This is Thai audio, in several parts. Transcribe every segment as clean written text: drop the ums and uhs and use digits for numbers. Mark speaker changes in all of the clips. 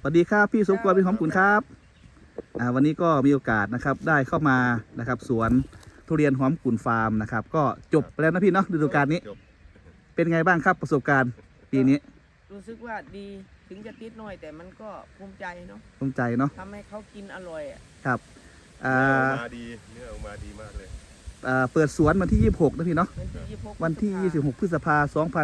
Speaker 1: สวัสดีครับพี่สมควรพี่หอมกุลครับวันนี้ก็มีโอกาสนะครับได้เข้ามานะครับสวนทุเรียนหอมกุลฟาร์มนะครับก็จบไปแล้วนะพี่เนาะฤดูกาลนี้เป็นไงบ้างครับประสบการณ์ปีนี้
Speaker 2: รู้สึกว่าดีถึงจะติดหน่อยแต่มันก็ภูมิใจเนาะ
Speaker 1: ภูมิใจเนาะ
Speaker 2: ทำให้เขากินอร่อย
Speaker 1: ครับ
Speaker 3: เนื้อออกมาดีเนื้อออกมาดีมากเลย
Speaker 1: เปิดสวนวันที่26นะพี่เนาะวันที่26 พฤษภาคม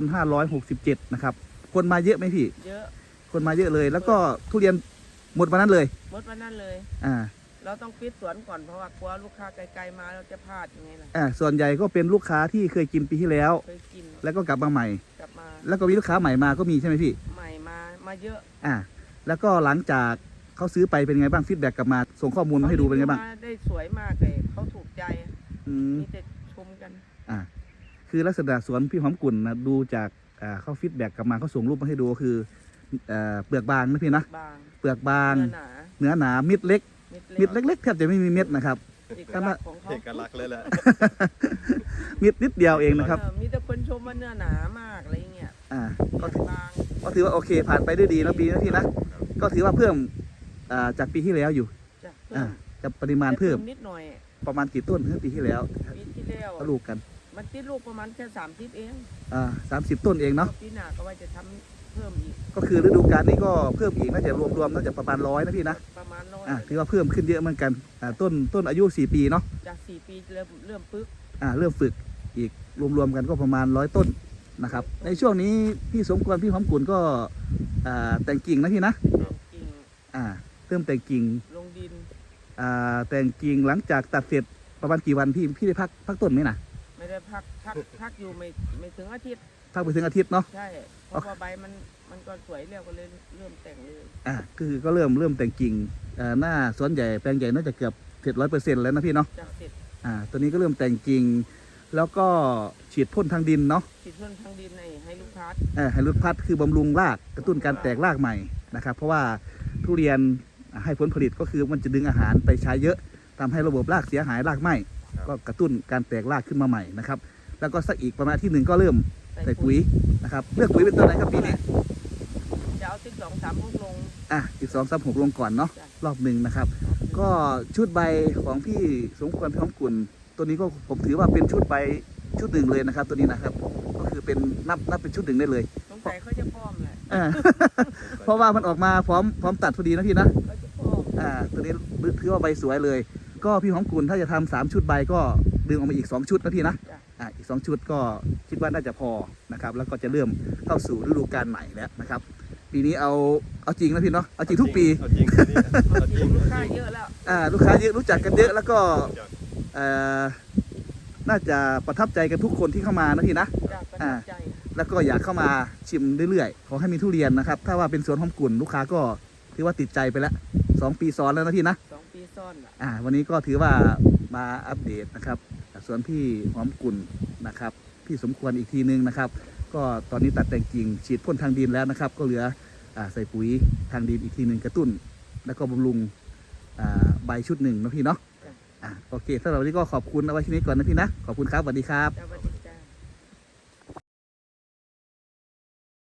Speaker 1: 2567นะครับคนมาเยอะไหมพี่
Speaker 2: เยอะ
Speaker 1: คนมาเยอะเลยแล้วก็ทุเรียนหมดวันนั้นเลย
Speaker 2: หมดวันนั้นเลยเราต้องปิดสวนก่อนเพราะว่ากลัวลูกค้าไกลๆมาเราจะพลาดยังไงล่ะ
Speaker 1: ส่วนใหญ่ก็เป็นลูกค้าที่เคยกินปีที่แล้ว
Speaker 2: เคยกิน
Speaker 1: แล้วก็กลับมาใหม่
Speaker 2: กลับมา
Speaker 1: แล้วก็มีลูกค้าใหม่มาก็มีใช่ไหมพี่
Speaker 2: ใหม่มาเยอะ
Speaker 1: แล้วก็หลังจากเขาซื้อไปเป็นไงบ้างฟีดแบ็กกลับมาส่งข้อมูลมาให้ดูเป็นไงบ้าง
Speaker 2: ได้สวยมากเลยเขาถูกใจมีแต่ชมกัน
Speaker 1: คือลักษณะสวนพี่หอมกุลนะดูจากเขาฟีดแบ็กกลับมาเขาส่งรูปมาให้ดูก็คือเปลือกบางนะพี่นะเปลือกบางเนื้อหนามิดเล็กมิดเล็กๆแทบจะไม่มีเม็ดนะครับ
Speaker 2: เอกลักษณ์ของเขา
Speaker 3: เอกลักษณ์เลยแหละ
Speaker 1: มิดนิดเดียวเองนะครับ
Speaker 2: มีแต่คนชมว่าเนื้อหนามากอะไรเงี้ย
Speaker 1: ก็ถือว่าโอเคผ่านไปด้วยดีนะปีนะพี่นะก็ถือว่าเพิ่มจากปีที่แล้วอยู่จะปริมาณเพิ่ม
Speaker 2: นิดหน่อย
Speaker 1: ประมาณกี่ต้นเมื่อปีที่แล้วก็ลูกกัน
Speaker 2: มันติดลูกประมาณแค่30เอง
Speaker 1: 30 ต้นเองเนาะ
Speaker 2: ปีหน้าก็ว่าจะทำเพิ่มอีก
Speaker 1: ก็คือฤดูกาลนี้ก็เพิ่มอีกน่าจะรวมน่าจะประมาณ100นะพี่นะ
Speaker 2: ประมาณ100
Speaker 1: ถือว่าเพิ่มขึ้นเยอะเหมือนกันต้นอายุ4 ปีเนาะ
Speaker 2: จาก4 ปีเริ่มฝึก
Speaker 1: เริ่มฝึกอีกรวมกันก็ประมาณ100 ต้นนะครับในช่วงนี้พี่สมควรพี่หอมกุลก็แต่งกิ่งนะพี่นะเริ่มแต่งกิ่ง
Speaker 2: ลงดิน
Speaker 1: แต่งกิ่งหลังจากตัดเสร็จประมาณกี่วันพี่ได้พักต้นไหมนะ
Speaker 2: ไม่ได้พักอยู่ไม่ถึงอาทิตย์
Speaker 1: พักไปถึงอาทิตย์เนาะ
Speaker 2: ใช่เพราะว่าใบมันก็สวยเรียวก็เลยเริ่มแต่งเลย
Speaker 1: คือก็เริ่มแต่งกิ่งหน้าสวนใหญ่แปลงใหญ่น่าจะเกือบเสร็จ100%แล้วนะพี่เนาะ
Speaker 2: เสร็จ
Speaker 1: ตัวนี้ก็เริ่มแต่งกิ่งแล้วก็ฉีดพ่นทางดินเนาะ
Speaker 2: ฉีดพ่นทางดินให้ลูกพัด
Speaker 1: ให้ลูกพัดคือบำรุงรากกระตุ้นการแตกรากใหม่นะครับเพราะว่าทุเรียนให้ผลผลิตก็คือมันจะดึงอาหารไปใช้เยอะทำให้ระบบรากเสียหายรากไหม้ก็กระตุ้นการแตกรากขึ้นมาใหม่นะครับแล้วก็สักอีกประมาณที่1ก็เริ่มใส่ปุ๋ยนะครับเลือกปุ๋ยเป็นตัวไหนครับปีนี้
Speaker 2: จะเอา12-36ลง
Speaker 1: 12-36ลงก่อนเนาะรอบหนึ่งนะครับก็ชุดใบของพี่สมควรพี่หอมกุลตัวนี้ก็ผมถือว่าเป็นชุดใบชุดหนึ่งเลยนะครับตัวนี้นะครับก็คือเป็นนับเป็นชุดหนึ่งได้เลย
Speaker 2: สงสัยเขาจะป้อมแหละ
Speaker 1: เพราะว่ามันออกมาพร้อมตัดพอดีนะพี่นะตัวนี้ถือว่าใบสวยเลยก็พี่หอมกุลถ้าจะทำ3 ชุดใบก็ดึงออกมาอีก2 ชุดนะพี่นะอีก2 ชุดก็คิดว่าน่าจะพอนะครับแล้วก็จะเริ่มเข้าสู่ฤดูกาลใหม่แล้วนะครับปีนี้เอาจริงนะพี่เนาะเอาจริงทุกปี
Speaker 2: ลูกค้าเยอะแล้ว
Speaker 1: ลูกค้าเยอะรู้จักกันเยอะแล้วก็น่าจะประทับใจกันทุกคนที่เข้ามานะพี่นะแล้วก็อยากเข้ามาชิมเรื่อยๆขอให้มีทุเรียนนะครับถ้าว่าเป็นสวนหอมกุลลูกค้าก็ถือว่าติดใจไปแล้ว2 ปีซ้อนแล้วนะพี่นะ
Speaker 2: 2 ปีซ้อน
Speaker 1: วันนี้ก็ถือว่ามาอัปเดตนะครับสวนพี่หอมกุลนะครับพี่สมควรอีกทีนึงนะครับก็ตอนนี้ตัดแต่งกิ่งฉีดพ่นทางดินแล้วนะครับก็เหลือใส่ปุ๋ยทางดินอีกทีนึงกระตุ้นแล้วก็บำรุงใบชุดหนึ่งนะพี่เนาะโอเคสำหรับวันนี้ก็ขอบคุณเอาไว้ที่นี้ก่อนนะพี่นะขอบคุณครับสวัสดีครับ